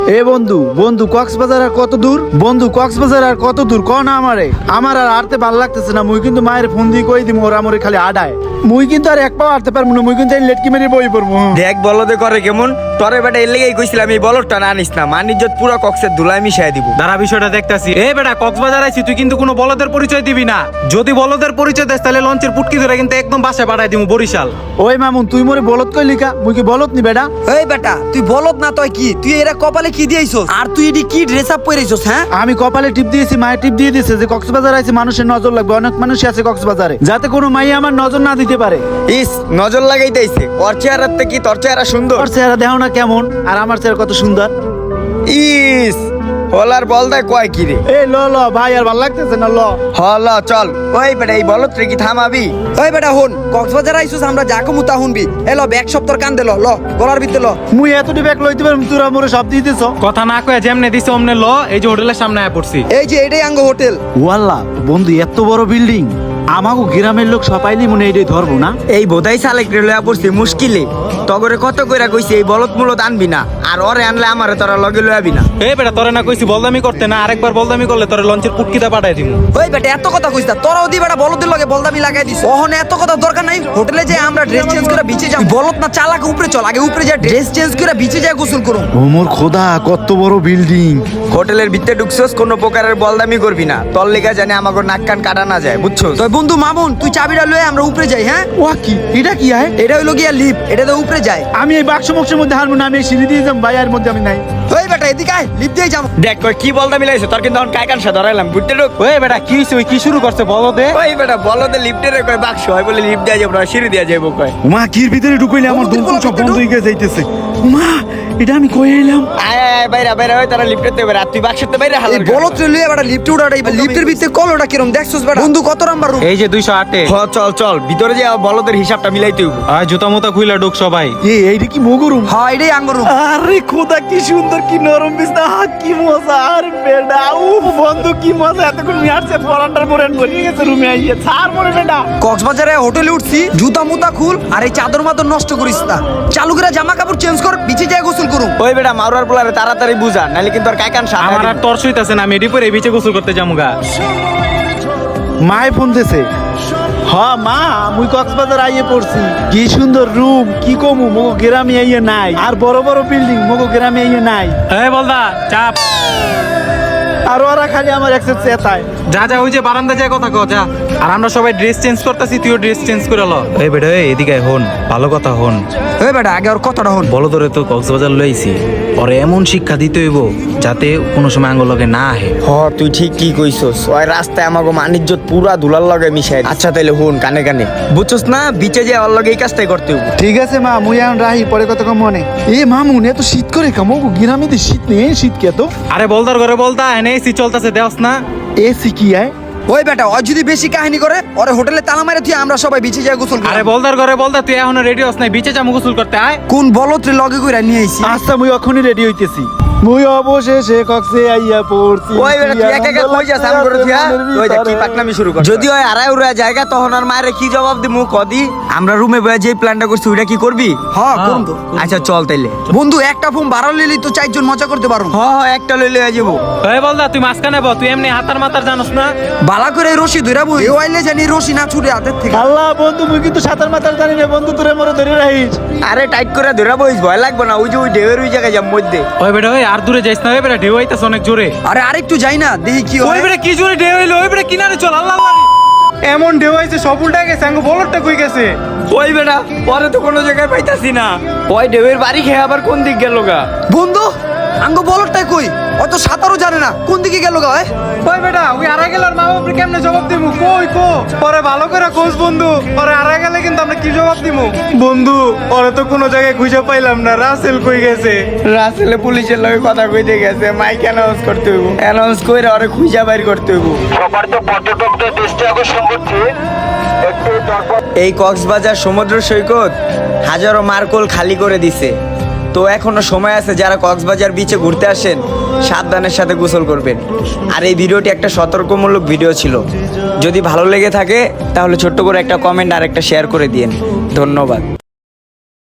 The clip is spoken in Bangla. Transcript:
এ বন্ধু বন্ধু কক্সবাজার আর কত দূর? বন্ধু কক্সবাজার আর কত দূর ক না আমারে। আমার আর আরতে ভাল লাগতেছে না। মুই কিন্তু মায়ের ফোন দিয়ে কই দিম ওরা মরে খালি আডায়। মুই কিন্তু আর এক পাও আরতে পারবো না। মুই কিন্তু এই লেটকি মেরে বই পড়বো। দেখ বলদে করে কেমন তরে বেটা এর লেগেই কইছিলাম এই বলদটা না আনিস না, মানিজ্জত পুরো কক্সের ধুলাই মিশাই দিব। দাঁড়া বিষয়টা দেখতাছি। এ বেটা কক্সবাজার আইছি, তুই কিন্তু কোনো বলদের পরিচয় দিবি না। যদি বলদের পরিচয় দেস তাহলে লঞ্চের পুটকি ধরে কিন্তু একদম বাসায় পাঠাই দিমু বরিশাল। ওই মামুন তুই মরে বলত কই লিখা? মুই কি বলত নি বেটা? এই বেটা তুই বলত না তুই কি? তুই এরা কপালে কি দিয়েছস? আর তুই এডি কি ড্রেস আপ পরেছস? হ্যাঁ আমি কপালে টিপ দিয়েছি, মায়ের টিপ দিয়ে দিয়েছে যে কক্সবাজার আইছে মানুষের নজর লাগবে। অনেক মানুষই আছে কক্সবাজারে, যাতে কোনো মাই আমার নজর না দিতে পারে। ইস নজর লাগাইতেইছে। ওর চেহারাতে কি তোর চেহারা সুন্দর? ওর চেহারা দেখো না কেমন, আর আমার চেহারা কত সুন্দর। ইস হলার বলদায় কয় কি রে? এ ল ল ভাই আর ভাল লাগতেছে না, ল হল চল। ওই বেটা এই বলত রে কি থামাবি? ওই বেটা হন, কক্সবাজার আইছস আমরা যা কমু তা শুনবি। এলো ব্যাগ সপ্তর কান দে, ল গলার ভিতরে ল। মুই এতটি ব্যাগ লইতে পারম, তোরা মোরে সব দিয়ে দিছ। কথা না কয়ে যেমনে দিছে অমনে ল। এই যে হোটেলের সামনে আয়া পড়ছি। এই যে এটাই আঙ্গ হোটেল। ওয়াল্লাহ বন্ধু এত বড় বিল্ডিং, আমাগো গ্রামের লোক সবাইলি মনে এইটাই ধরবো না। এই বোধাই সালেক রে লয়া পড়ছি মুশকিলে। তগরে কত কইরা কইছি এই বলত মূলত আনবি না, আর ওরে আনলে আমারে তোরা লগে লয়াবি না। এ বেটা তোরে না কইছি বলদামি করতে না, আরেকবার বলদামি করলে তোরে লঞ্চের পুটকিতে পাঠাই দিমু। ওই বেটা এত কথা কইছ না, তোরাও দি বেটা বলদের লগে বলদামি লাগাই দিছ। ওহনে এত কথা দরকার নাই। হোটেলে যে আমরা ড্রেস চেঞ্জ করে বিচে যাই, বলত না চালাকে উপরে চল। আগে উপরে যা ড্রেস চেঞ্জ করে বিচে যায় গোসল করুম। ও মোর খোদা কত বড় বিল্ডিং। হোটেলের ভিতরে ঢুকছস কোনো প্রকারের বলদামি করবি না, তোর লেগা জানে আমাগো নাক কান কাটা না যায়, বুঝছস? তো বন্ধু মামুন তুই চাবিটা লয়ে আমরা উপরে যাই। হ্যাঁ ওয়া কি এটা কি হয়? এটা হইলো গিয়া লিফট, এটা তো উপরে যায়। আমি এই বাক্স মক্সের মধ্যে হারবো না, আমি এই সিঁড়ি দিয়ে যাম ভাই, আর মধ্যে আমি নাই। ওই বেটা এদিকে আয়, লিফট দিয়ে যাবো। দেখ কই কি বলদামি লাইছ তোর, কিন্তু এখন কাইকান সা ধরাইলাম বুঝতে ঢুক। ওই বেটা কি হইছে? ওই কি শুরু করছে বলদে? ওই বেটা বলদে লিফটে রে কই বাক্স হয় বলে লিফট দেয়া যাবে না, সিঁড়ি দেয়া যাবে কয়। উমা কির ভিতরে ঢুকাইলে আমার বন্ধু, দম সব ভিতরে বন্ধ হয়ে গিয়ে যাইতেছে। উমা এটা আমি কই এলাম? আয় আয় বাইরে বাইরে ওই তারা লিফটে তে বাইরে, আর তুই বাক্সতে বাইরে এই হালার বলত লয়ে বেটা লিফটে উঠাই। লিফটের ভিতরে কলটা কিরম দেখছস বেটা? বন্ধু কত নাম্বার রুম? এই যে 208 এ। হ চল চল ভিতরে যে বলদের হিসাবটা মিলাইতে হইব। আয় জুতা মুতা খুইলা ঢুক সবাই। এইটা কি মগরুম? হ্যাঁ এটাই আঙ্গ রুম। আরে খোদা কি সুন্দর, কি নরম বিছনা, কি মজা। আর বেডা বন্ধু কি মজা। এতক্ষণ মিয়ারছে পরান্ডার পরে বলিয়ে গেছে রুমে আইয়ে ছাড় মরে বেডা। কক্সবাজারে হোটেলে উঠছি, জুতা মুতা খুল আর এই চাদর মাদর নষ্ট করিস না। চালু করে জামা কাপড় চেঞ্জ কর, বিচে যায় গোসল করুম। ওই বেটা মারুয়ার পোলারে তাড়াতাড়ি বুঝা, নাইলে কিন্তু আর কাইকান সা আমার আর তর সইতাছে না, আমি এডি পরে বিচে গোসল করতে যামুগা। মায় ফোন দিছে। হ্যাঁ মা মুই কক্সবাজার আইয়ে পড়ছি। কি সুন্দর রুম, কি কমু মগো গ্রামে আইয়ে নাই। আর বড় বড় বিল্ডিং মগো গ্রামে আইয়ে নাই। এই বলদা চাপ। আর ওরা খালি আমার একসেট চেতায়। যা যা ওই যে বারান্দা যায় কথা কও যা। আর আমরা সবাই ড্রেস চেঞ্জ করতেছি, তুইও ড্রেস চেঞ্জ করে ল। এই বেটা এই এদিকে আয়, হন ভালো কথা হন। ওই বেটা আগে ওর কথাটা হন। বলো তোরে তো কক্সবাজার লইছি, ওরে এমন শিক্ষা দিতে হইব যাতে কোনো সময় আঙ্গুল লগে না আহে। হ তুই ঠিক কি কইছস। ওই রাস্তায় আমাগো মানিজ্জত পুরা দুলার লগে মিশাই। আচ্ছা তাইলে হুন কানে কানে, বুঝছস না বিচে যে ওর লগে এই কাজটাই করতে হইব। ঠিক আছে মা মুই এখন রাহি, পরে কত কম মনে। এ মামুন এত শীত করে মগো গ্রামে তো শীত নেই, শীত কে তো। আরে বলদার ঘরে বলদা এনে এসি চলতেছে দেওস না। এসি কি আয়? ওই বেটা ও যদি বেশি কাহিনী করে ওরে হোটেলে তালা মারে তুই আমরা সবাই বিচে যায় গোসল আরে করি। বলদার ঘরে বলদা তুই এখনো রেডি হস নাই, বিচে যামু গোসল করতে আয়। কোন বলত রে লগে কইরা নিয়ে আইছি। আচ্ছা মুই এখনই রেডি হইতেছি। মুই অবশেষে কক্সে আইয়া পড়ছি। ওই বেটা তুই একা একা কই যাস? আম করে তুই ওই দেখ কি পাকনামি শুরু কর। যদি ওই আড়াই উড়া জায়গা তখন আর মায়ের কি জবাব দিমু কদি? আমরা রুমে বসে যে প্ল্যানটা করছি ওইটা কি করবি? হ্যাঁ করুন তো। আচ্ছা চল তাইলে। বন্ধু একটা ফোন বাড়াল লিলি তো চারজন মজা করতে পারো। হ হ একটা লইলে হয়ে যাবো। এই বলদা তুই মাঝখানে বল, তুই এমনি হাতার মাতার জানোস না। বালা করে রশি ধইরা বই। এ আইলে জানি রশি না ছুটে হাতের থেকে। আল্লাহ বন্ধু মুই কিন্তু সাঁতার মাতার জানি না বন্ধু, তোরে মরে ধরে রাখিস। আরে টাইট করে ধরা বইস, ভয় লাগবে না। ওই যে ওই ঢেউয়ের ওই জায়গায় যাম মধ্যে। ওই বেটা ওই আর দূরে যাইস না, ওই বেটা ঢেউ আইতাছে অনেক জোরে। আরে আরেকটু যাই না দেখি কি ওই হয়। বেটা কি জোরে ঢেউ হইলো, ওই বেটা কিনারে চল। আল্লাহ আল্লাহ এমন ঢেউ আইছে সব উল্টা গেছে, আঙ্গো বলরটা কই গেছে। ওই বেটা পরে তো কোনো জায়গায় পাইতাছি না। ওই ঢেউয়ের বাড়ি খেয়ে আবার কোন দিক গেল গা? বন্ধু আঙ্গ বলটাই কই? অত সাঁতারও জানে না, কোন দিকে গেল গা? ওই বেটা ওই আড়াই গেল আর মা বাপরে কেমনে জবাব দিমু? কই কো পরে ভালো করে খোঁজ বন্ধু, পরে আড়াই গেলে কিন্তু আমরা কি জবাব দিমু? বন্ধু পরে তো কোনো জায়গায় খুঁজে পাইলাম না, রাসেল কই গেছে? রাসেলে পুলিশের লগে কথা কইতে গেছে, মাইক অ্যানাউন্স করতে হইব। অ্যানাউন্স কইরা ওরে খুঁজা বাইর করতে হইব। সবার তো পর্যটকদের দৃষ্টি আকর্ষণ করছে একটু এই কক্সবাজার সমুদ্র সৈকত হাজারো মার্কোল খালি করে দিছে। তো এখনো সময় আছে, যারা কক্সবাজার বিচে ঘুরতে আসেন সাবধানের সাথে গোসল করবেন। আর এই ভিডিওটি একটা সতর্কমূলক ভিডিও ছিল। যদি ভালো লেগে থাকে তাহলে ছোট্ট করে একটা কমেন্ট আর একটা শেয়ার করে দিয়েন। ধন্যবাদ।